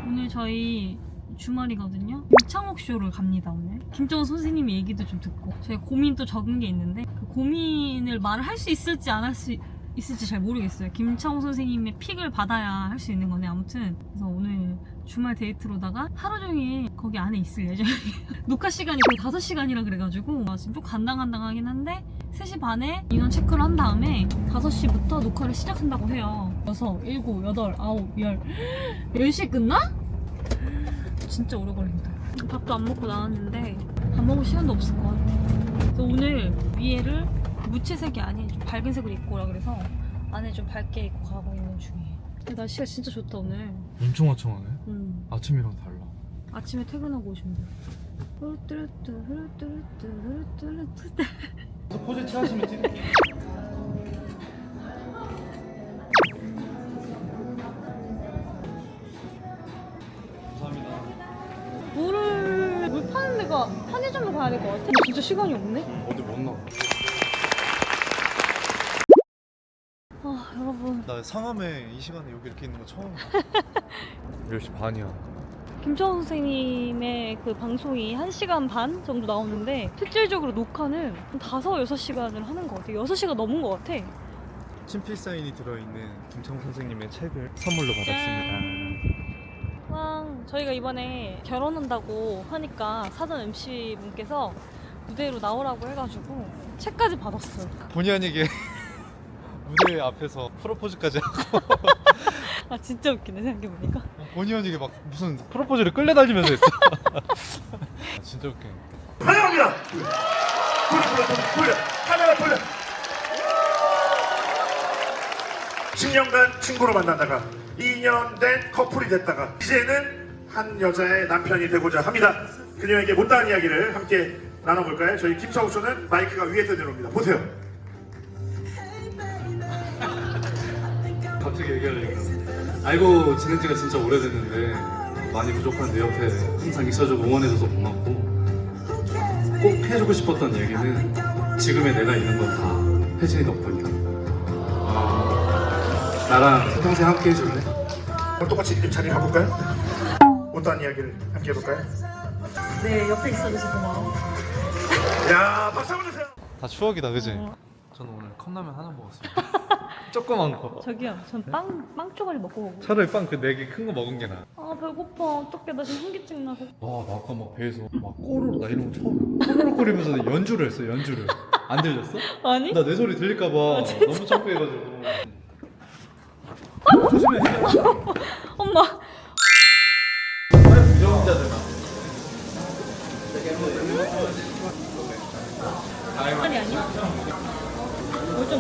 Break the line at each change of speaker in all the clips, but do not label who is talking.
오늘 저희 주말이거든요. 김창옥 쇼를 갑니다. 오늘 김정은 선생님 얘기도 좀 듣고 저희 고민도 적은 게 있는데 그 고민을 말을 할 수 있을지 안 할 수 있을지 잘 모르겠어요. 김창옥 선생님의 픽을 받아야 할 수 있는 거네. 아무튼 그래서 오늘 주말 데이트로다가 하루 종일 거기 안에 있을 예정이에요. 녹화 시간이 거의 5시간이라 그래가지고 지금 좀 간당간당하긴 한데 3시 반에 인원 체크를 한 다음에 5시부터 녹화를 시작한다고 해요. 6, 7, 8, 9, 10 10시에 끝나? 진짜 오래 걸린다. 밥도 안 먹고 나왔는데 밥 먹을 시간도 없을 것 같아. 그래서 오늘 위에를 무채색이 아닌 좀 밝은 색으로 입고 오라 그래서 안에 좀 밝게 입고 가고 있는 중이에요. 근데 날씨가 진짜 좋다 오늘.
엄청 화창하네. 아침이랑 달라.
아침에 퇴근하고 오시면 돼요.
포즈 취하시면 찍을게요. 감사합니다.
물 파는 데가 편의점으로 가야 될 것 같아. 진짜 시간이 없네.
어디 못 나가.
아 여러분,
나 상암에 이 시간에 여기 이렇게 있는 거 처음 봐.
10시 반이야.
김정은 선생님의 그 방송이 1시간 반 정도 나오는데 실질적으로 녹화는 한 5, 6시간을 하는 것 같아. 6시간 넘은 것 같아.
친필 사인이 들어있는 김창욱 선생님의 책을 선물로 받았습니다.
왕, 저희가 이번에 결혼한다고 하니까 사전 MC분께서 무대로 나오라고 해가지고 책까지 받았어요.
본의 아니게 무대 앞에서 프로포즈까지 하고
아 진짜 웃기네 생각해보니까.
본의 아니게 막 무슨 프로포즈를 끌려다니면서 했어. 아, 진짜 웃겨.
환영합니다. 돌려. 카메라 돌려. 10년간 친구로 만나다가 2년 된 커플이 됐다가 이제는 한 여자의 남편이 되고자 합니다. 그녀에게 못다한 이야기를 함께 나눠볼까요? 저희 김창욱 씨는 마이크가 위에서 내려옵니다. 보세요.
갑자기 얘기하려고. 알고 지낸 지가 진짜 오래됐는데 많이 부족한 내 옆에 항상 있어주고 응원해줘서 고맙고 꼭 해주고 싶었던 얘기는 지금의 내가 있는 건 다 혜진이 덕분이다. 나랑 평생 함께 해줄래?
오늘 똑같이 자리 바꿀까요? 못다한 이야기를 함께 해볼까요?
네, 옆에 있어줘서 고마워.
야, 박수 한번 주세요.
다 추억이다, 그지?
저는 오늘 컵라면 하나 먹었습니다. 조그만 거.
저기요, 전 빵 쪼가리 먹고 오고.
차라리 빵 그 4개 큰 거 먹은 게 나아.
아 배고파. 어떡해, 나 지금 현기증 나고.
와, 나 아까 막 배에서 막 꼬르륵 나 이런 거 처음이야. 꼬르륵거리면서 연주를 했어, 연주를. 안 들렸어?
아니?
나 내 소리 들릴까봐 너무 창피해가지고. 조심해.
엄마.
부정자들아.
아니 아니야? 뭘좀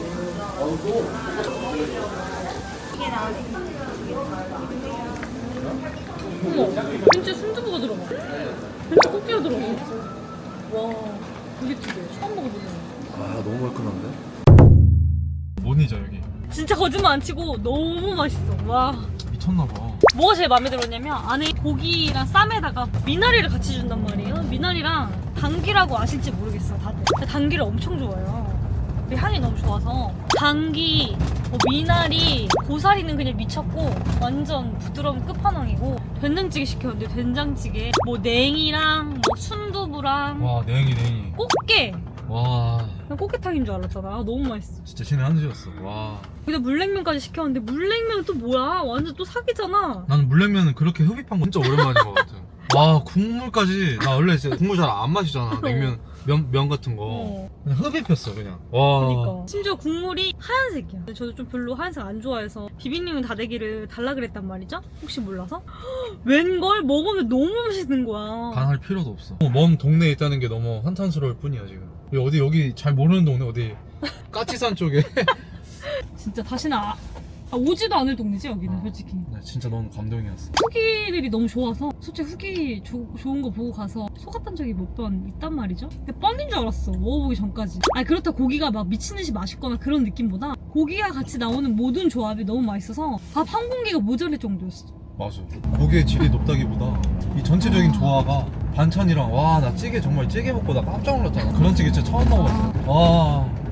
어머, 진짜 순두부가 들어가. 진짜 꽃게가 들어가. 와, 되게 특이해. 처음 먹어보는 거.
아, 너무 얼큰한데? 뭐니자 여기.
진짜 거짓말 안 치고 너무 맛있어. 와.
미쳤나봐.
뭐가 제일 마음에 들었냐면 안에 고기랑 쌈에다가 미나리를 같이 준단 말이에요. 미나리랑 당귀라고 아실지 모르겠어 다들. 근데 당귀를 엄청 좋아해요. 그 향이 너무 좋아서 당귀, 미나리, 고사리는 그냥 미쳤고 완전 부드러운 끝판왕이고 된장찌개 시켰는데 된장찌개 뭐 냉이랑 뭐 순두부랑
와, 냉이.
꽃게.
와,
그냥 꽃게탕인 줄 알았잖아. 너무 맛있어.
진짜 신의 한 수였어. 와.
근데 물냉면까지 시켰는데 물냉면은 또 뭐야? 완전 또 사기잖아.
나는 물냉면은 그렇게 흡입한 거 진짜 오랜만인 것 같아. 와, 국물까지. 나 원래 진짜 국물 잘 안 마시잖아. 냉면, 면 같은 거. 그냥 흡입했어, 그냥. 와.
그러니까 심지어 국물이 하얀색이야. 근데 저도 좀 별로 하얀색 안 좋아해서 비빔냉면 다대기를 달라 그랬단 말이죠. 혹시 몰라서 웬걸 먹으면 너무 맛있는 거야.
간할 필요도 없어. 먼 동네에 있다는 게 너무 한탄스러울 뿐이야, 지금. 여기 잘 모르는 동네, 어디. 까치산 쪽에.
진짜 다시는 오지도 않을 동네지 여기는 솔직히.
나 진짜 너무 감동이었어.
후기들이 너무 좋아서 솔직히 후기 좋은 거 보고 가서 속았던 적이 몇 번 있단 말이죠. 근데 뻥인 줄 알았어, 먹어보기 전까지. 아니 그렇다 고기가 막 미친듯이 맛있거나 그런 느낌보다 고기가 같이 나오는 모든 조합이 너무 맛있어서 밥 한 공기가 모자랄 정도였어.
맞아. 고기의 질이 높다기보다 이 전체적인 조화가 반찬이랑, 와, 나 찌개 정말 찌개 먹고 나 깜짝 놀랐잖아. 그런 찌개 진짜 처음 먹어봤어. 와.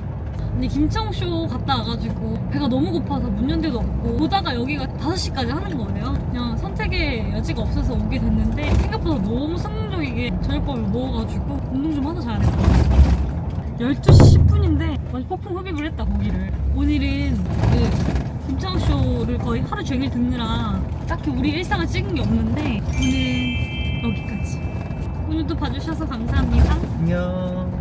근데 김창욱 쇼 갔다 와가지고 배가 너무 고파서 문 연대도 없고 오다가 여기가 5시까지 하는 거예요. 그냥 선택의 여지가 없어서 오게 됐는데 생각보다 너무 성공적이게 저녁밥을 먹어가지고 운동 좀 하나 자야 될 것 같아요. 12시 10분인데 완전 폭풍 흡입을 했다 거기를. 오늘은 그 김창욱 쇼를 거의 하루 종일 듣느라 딱히 우리 일상을 찍은 게 없는데 오늘 여기까지. 오늘도 봐주셔서 감사합니다.
안녕.